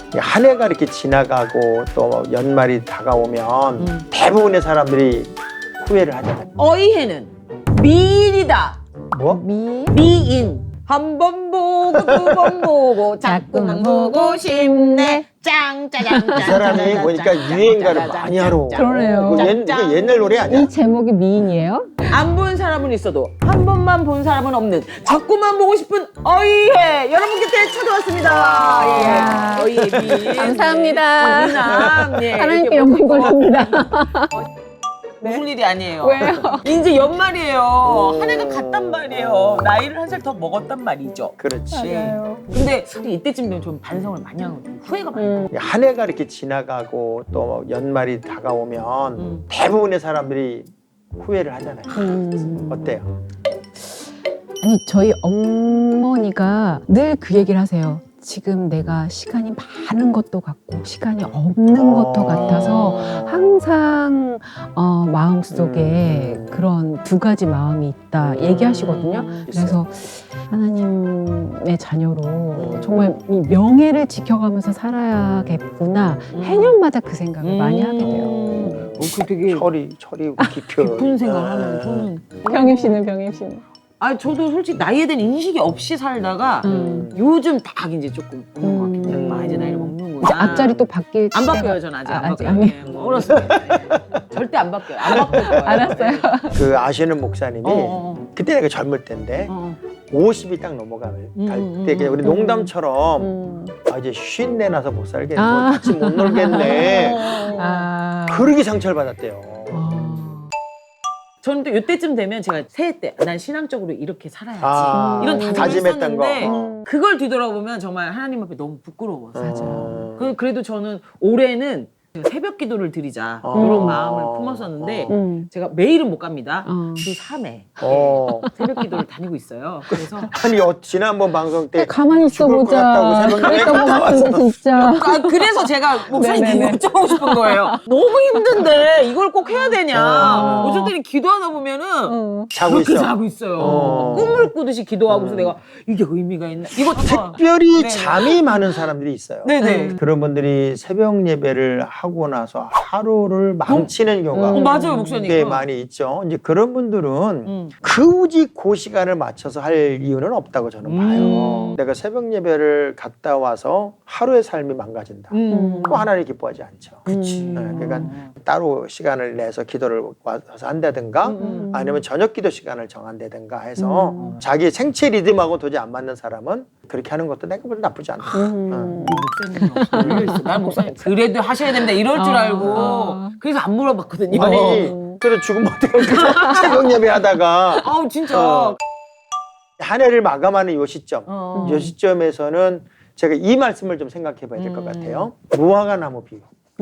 한 해가 이렇게 지나가고 또 연말이 다가오면 대부분의 사람들이 후회를 하잖아요. 어이해는 미인이다. 뭐? 미인. 한 번 보고 두 번 보고 자꾸만 보고 싶네. 짱짜장. 이 사람이 보니까 유행가를 많이 하러. 그러네요. 이거 옛날 노래 아니야? 이 제목이 미인이에요? 안 본 사람은 있어도 한 번만 본 사람은 없는 자꾸만 보고 싶은 어이해 여러분 곁에 찾아왔습니다. 예. 어이해 미인. 감사합니다. 미남. 예. 하나님께 이렇게 영광 돌립니다. 무슨 일이 아니에요. 왜요? 이제 연말이에요. 한 해가 갔단 말이에요. 나이를 한 살 더 먹었단 말이죠. 그렇지. 근데 이때쯤 되면 좀 반성을 많이 하거든요. 후회가 많이 나요. 한 해가 이렇게 지나가고 또 연말이 다가오면 대부분의 사람들이 후회를 하잖아요. 어때요? 아니 저희 어머니가 늘 그 얘기를 하세요. 지금 내가 시간이 많은 것도 같고 시간이 없는 것도 같아서 항상 마음속에 그런 두 가지 마음이 있다 얘기하시거든요. 그래서 하나님의 자녀로 정말 이 명예를 지켜가면서 살아야겠구나 해년마다 그 생각을 많이 하게 돼요. 그 되게 철이 깊은 생각을 하는 저는. 병임 씨는? 아 저도 솔직히 나이에 대한 인식이 없이 살다가 요즘 딱 이제 조금 오는 것 같긴 해요. 아 이제 나이를 먹는구나. 이제 앞자리 또 바뀔 안 시대가- 바뀌어요. 저는 아직 안 아직 바뀌어요. 아니에요. 예, 뭐 어렸을 때 절대 안 바뀌어요. 안 바뀔 거예요. 알았어요. 그 아시는 목사님이 어. 그때 내가 젊을 때인데 어. 50이 딱 넘어갈 때 그냥 우리 농담처럼 이제 54 나서 못 살겠네, 뭐 같이 못 놀겠네. 그러게 상처를 받았대요. 저는 또 이때쯤 되면 제가 새해 때 난 신앙적으로 이렇게 살아야지 이런 다짐을 다짐했던 거. 했었는데 그걸 뒤돌아보면 정말 하나님 앞에 너무 부끄러워서 맞아. 그래도 저는 올해는 제가 새벽 기도를 드리자 이런 마음을 품었었는데 제가 매일은 못 갑니다. 주 3회 새벽 기도를 다니고 있어요. 그래서 아니 지난번 방송 때 가만히 있어 죽을 것 보자. 같다고 새벽 그랬던 것 갔다 같은데 진짜. 그래서 제가 목사님께 네네네. 여쭤보고 싶은 거예요. 너무 힘든데 이걸 꼭 해야 되냐. 요즘 때는 기도하다 보면은 자고 그렇게 있어. 자고 있어요. 꿈을 꾸듯이 기도하고서 내가 이게 의미가 있나? 이거 특별히 네네. 잠이 많은 사람들이 있어요. 네네. 그런 분들이 새벽 예배를 하고 나서 하루를 망치는 경우가 맞아요, 목사님. 꽤 많이 있죠. 이제 그런 분들은 굳이 그 시간을 맞춰서 할 이유는 없다고 저는 봐요. 내가 새벽 예배를 갔다 와서 하루의 삶이 망가진다. 또 하나님 기뻐하지 않죠. 그치. 그러니까 따로 시간을 내서 기도를 와서 한다든가 아니면 저녁 기도 시간을 정한다든가 해서 자기 생체 리듬하고 도저히 안 맞는 사람은 그렇게 하는 것도 내가 보다 나쁘지 않다. 목사님 열려있어. 난 목사님 그래도 하셔야 된다 이럴 줄 알고 그래서 안 물어봤거든요. 아니 그래 죽으면 어떡해. 새벽 예배 하다가 아우 진짜. 한 해를 마감하는 요 시점 요 시점에서는 제가 이 말씀을 좀 생각해 봐야 될 것 같아요. 무화과 나무 비유.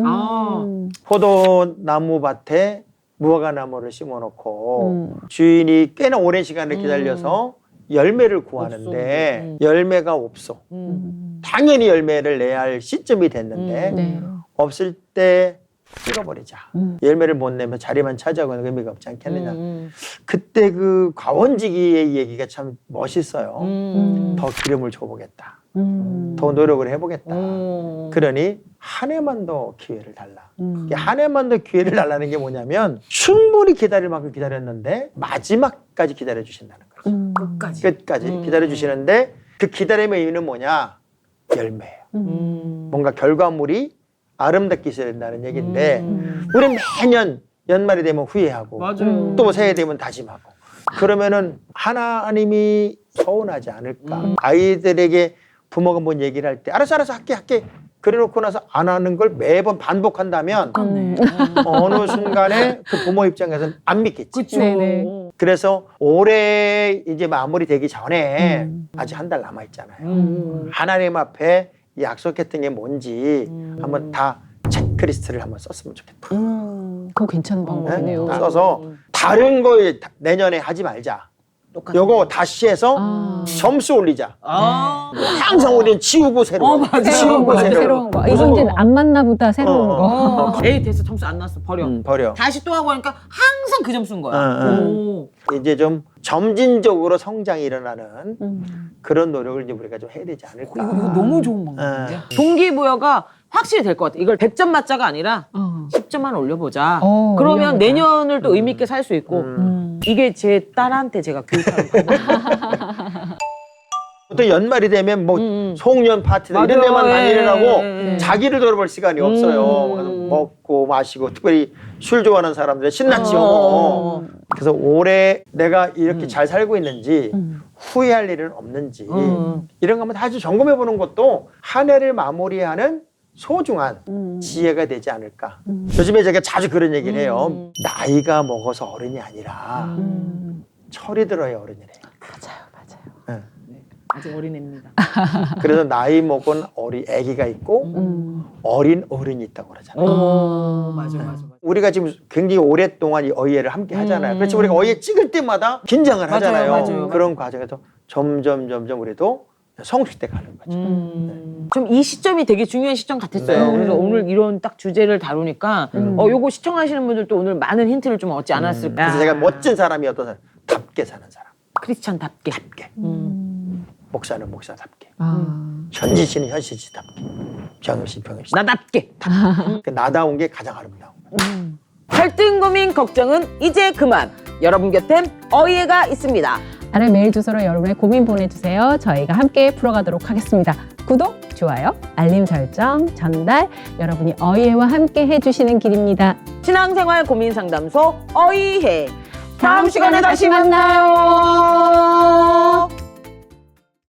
포도나무 밭에 무화과 나무를 심어놓고 주인이 꽤나 오랜 시간을 기다려서 열매를 구하는데 열매가 없어. 당연히 열매를 내야 할 시점이 됐는데 없을 때 찍어버리자. 열매를 못 내면 자리만 차지하고는 의미가 없지 않겠느냐. 그때 그 과원지기의 얘기가 참 멋있어요. 더 기름을 줘보겠다. 더 노력을 해보겠다. 그러니 한 해만 더 기회를 달라. 한 해만 더 기회를 달라는 게 뭐냐면 충분히 기다릴 만큼 기다렸는데 마지막까지 기다려주신다는 거죠. 끝까지 기다려주시는데 그 기다림의 의미는 뭐냐? 열매예요. 뭔가 결과물이 아름답게 있어야 된다는 얘기인데 우리는 매년 연말이 되면 후회하고 또 새해 되면 다짐하고 그러면은 하나님이 서운하지 않을까? 아이들에게 부모가 뭔 얘기를 할 때 알았어 할게 그래놓고 나서 안 하는 걸 매번 반복한다면 어느 순간에 그 부모 입장에서는 안 믿겠지. 그렇죠. 그래서 올해 이제 마무리되기 전에 아직 한 달 남아 있잖아요. 하나님 앞에 약속했던 게 뭔지 한번 다 체크리스트를 한번 썼으면 좋겠다. 그거 괜찮은 방법이네요. 써서 다른 거 내년에 하지 말자. 똑같은 요거 다시 해서 점수 올리자. 항상 우리는 지우고 새로운 거. 맞아. 지우고 새로운 거. 이건 이제 안 맞나 보다 새로운 거. 에이 됐어 점수 안 났어 버려. 버려. 다시 또 하고 하니까 항상 그 점수인 거야. 오. 이제 좀 점진적으로 성장이 일어나는 그런 노력을 이제 우리가 좀 해야 되지 않을까. 이거 너무 좋은 방법인데. 동기부여가 확실히 될 것 같아. 이걸 100점 맞자가 아니라 10점만 올려보자. 그러면 올려보자. 내년을 또 의미 있게 살 수 있고 이게 제 딸한테 제가 교육하는 방법. 또 연말이 되면 뭐 송년 파티나 이런 맞아요. 데만 다니느라고 예. 자기를 돌아볼 시간이 없어요. 그래서 먹고 마시고 특별히 술 좋아하는 사람들은 신났죠. 그래서 올해 내가 이렇게 잘 살고 있는지 후회할 일은 없는지 이런 거 한번 다시 점검해 보는 것도 한 해를 마무리하는 소중한 지혜가 되지 않을까. 요즘에 제가 자주 그런 얘기를 해요. 나이가 먹어서 어른이 아니라 철이 들어야 어른이래요. 맞아요. 아직 어린애입니다. 그래서 나이 먹은 애기가 있고 어린 어른이 있다고 그러잖아요. 맞아. 우리가 지금 굉장히 오랫동안 이 어휘를 함께 하잖아요. 그렇지 우리가 어휘 찍을 때마다 긴장을 하잖아요. 맞아요. 그런 과정에서 점점 우리도 성숙돼 가는 거죠. 좀 이 시점이 되게 중요한 시점 같았어요. 네. 그래서 오늘 이런 딱 주제를 다루니까 요거 시청하시는 분들도 오늘 많은 힌트를 좀 얻지 않았을까. 그래서 제가 멋진 사람이 어떤 사람? 답게 사는 사람. 크리스찬답게. 목사는 목사답게. 아. 현지 씨는 현지 씨답게. 병영 씨 병영 씨. 나답게. 그 나다운 게 가장 아름다운 거예요. 갈등 고민 걱정은 이제 그만. 여러분 곁엔 어이해가 있습니다. 아래 메일 주소로 여러분의 고민 보내주세요. 저희가 함께 풀어가도록 하겠습니다. 구독, 좋아요, 알림 설정, 전달 여러분이 어이해와 함께 해주시는 길입니다. 신앙생활 고민 상담소 어이해. 다음 시간에 다시 만나요.